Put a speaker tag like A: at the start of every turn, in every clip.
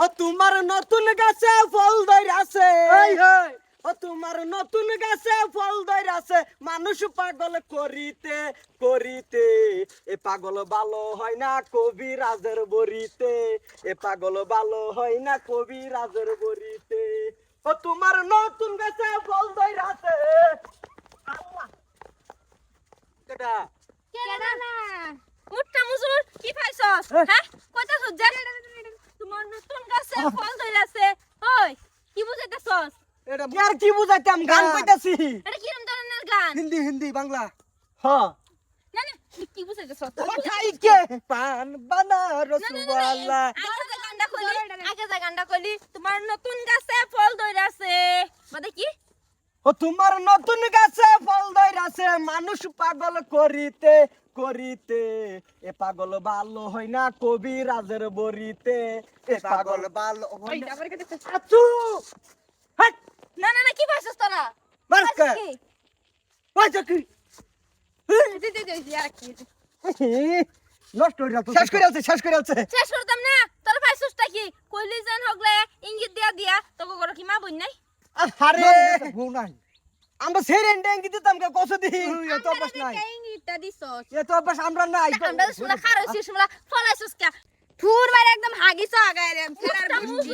A: তোমার নতুন গাছে ফল ধইরাছে
B: এই হেই
A: ও তোমার নতুন গাছে ফল ধইরাছে মানুষ পাগল করিতে করিতে এ পাগল ভালো হয় না কবিরাজের বরিতে এ পাগল ভালো হয় না কবিরাজের বরিতে ও তোমার নতুন গাছে ফল ধইরাছে আল্লাহ কেডা
C: কেডা না মুট্টা মুজুর কি পাইছস হ্যাঁ কইতাছস যে তোমার নতুন গাছে ফল ধইরাছে ওই কি বুঝাইতাছস
B: এটা
A: আর কি বুঝাইতাম গান কইতাছি
C: এটা কিরম ধরনের গান
B: হিন্দি হিন্দি বাংলা
A: হ
C: না না কি বুঝাইতাছস
A: কোথায় কে পান বানারসওয়ালা
C: আগে যে গানটা কইলি তোমার নতুন গাছে ফল ধইরাছে মানে কি
A: ও তোমার নতুন গাছে ফল ধইরাছে মানুষ পাগল করিতে করিতে এ পাগল ভালো হয় না কবিরাজের বরিতে এ পাগল
B: ভালো
C: ওই আবার কে দেখছিস
A: আচু হাট
C: না না না কি পাইছস তোরা
A: মারকা ওই চাকরি
C: দি আর কি
A: নষ্ট হয়ে যাচ্ছে শেষ করে আছে
C: শেষ করতাম না তোর পাইছসটা কি কইলি জান হগলে ইঙ্গিত দিয়া দিয়া তোকে গরো কি মা বই নাই
A: আরে
B: বউ নাই
A: আমরা সেরেন ডেঙ্গি দিতাম কে কত দি
B: এত অভ্যাস নাই
C: ইঙ্গিতটা দিছস
B: এত অভ্যাস আমরা নাই
C: আমরা শুলা খারছি শুলা ফলাইছস কে ফুর মারে একদম হাগিছ আগায় রে ফেরার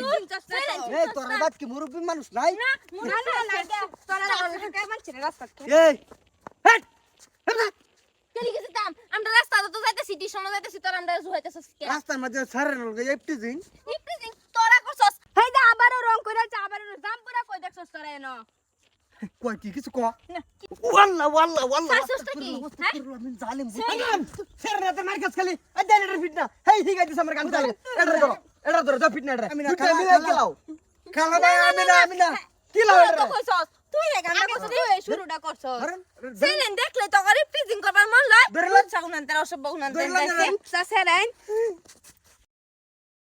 B: এই তোর বাদ কি মুরব্বি মানুষ নাই
C: না লাগে তোরা কে মানছিস রাস্তা
B: এই হেট
C: কেলি গেছিতাম আমরা রাস্তা তো যাইতেছি টিউশন যাইতেছি তোর আমরা জুহাইতেছস কে
B: রাস্তার মধ্যে সারের লগে একটু দিন
C: ইপ্রিজিং তোরা করছস হেইদা আবারও রং কইরাছ আবারও জাম্পুরা কই দেখছস তোরা এনো
B: কই কি কিছু ক
A: ওয়াল্লাহ ওয়াল্লাহ ওয়াল্লাহ
C: পাইছসটা কি হ্যাঁ
B: আমি জালিম
A: সেরেনাতে মার্কাস খালি এই দেনের ফিট না হেই ঠিক আছে আমার গান চাই এটা ধরো যা ফিট না এটা
B: আমি না
A: মিলে গেলাও
B: খালা ভাই আমি না
A: কি লাও
C: তো কইছস তুই রে গান করছস তুই শুরুটা করছস
B: ধরেন
C: সেলেন দেখলে তো করে ইপ্রিজিং করবার মন লয়
A: ধরলাম।
C: সাগুনান তারা সব বগুনান
B: ধরলাম,
C: দেখছে সেরেন